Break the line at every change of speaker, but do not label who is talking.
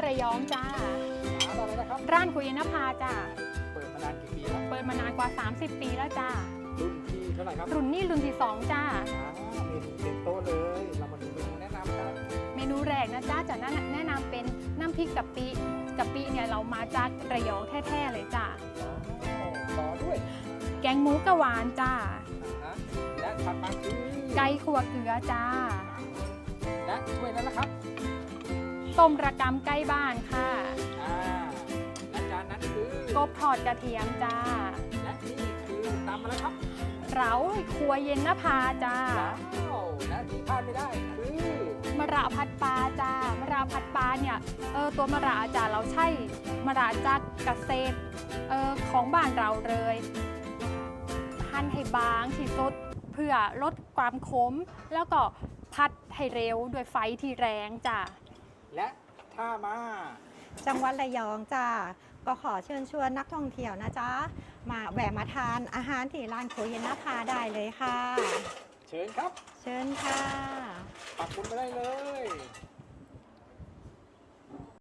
ระยองจ้า
ร้านอะไรนะครับ
ร้านคุยนภาจ้า
เปิดมานานกี่ปีแล้ว
เปิดมานานกว่า30 ปีแล้วจ้า
รุ่นที่เท่าไหร่ครับ
รุ่นนี้รุ่นที่2จ้า
เมนูเต็มโต๊ะเลยเรามาดูเมนูแนะนำกัน
เมนูแรกนะจ้าจะแนะนำเป็นน้ำพริกกะปิเนี่ยเรามาจากระยองแท้ๆเลยจ้า
ต่อด้วย
แกงหมูกะหวานจ้า
และถัดมาคือ
ไก่ขั่วเกลือจ้า
และถ้วยนั้นนะครับ
ต้มระกำไก่บ้านค่ะ
และจานนั้นคือก
บทอดกระเทียมจ้า
และนี่คือตำอะไรครับ
เร้าครัวเย็นนภาจ้า
และที่พลาดไม่ได้คือ
มะระผัดปลาจ้ามะระผัดปลาเนี่ยตัวมะระจ้าเราใช้มะระจากเกษตรของบ้านเราเลยหั่นให้บางที่สุดเพื่อลดความขมแล้วก็ผัดให้เร็วด้วยไฟที่แรงจ้า
และถ้ามา
จังหวัดระยองจ้าก็ขอเชิญชวนนักท่องเที่ยวนะจ๊ะมาแวะมาทานอาหารที่ร้านครัวเย็นนภาได้เลยค่ะ
เชิญครับ
เชิญค่ะ
ปักหมุดไปได้เลย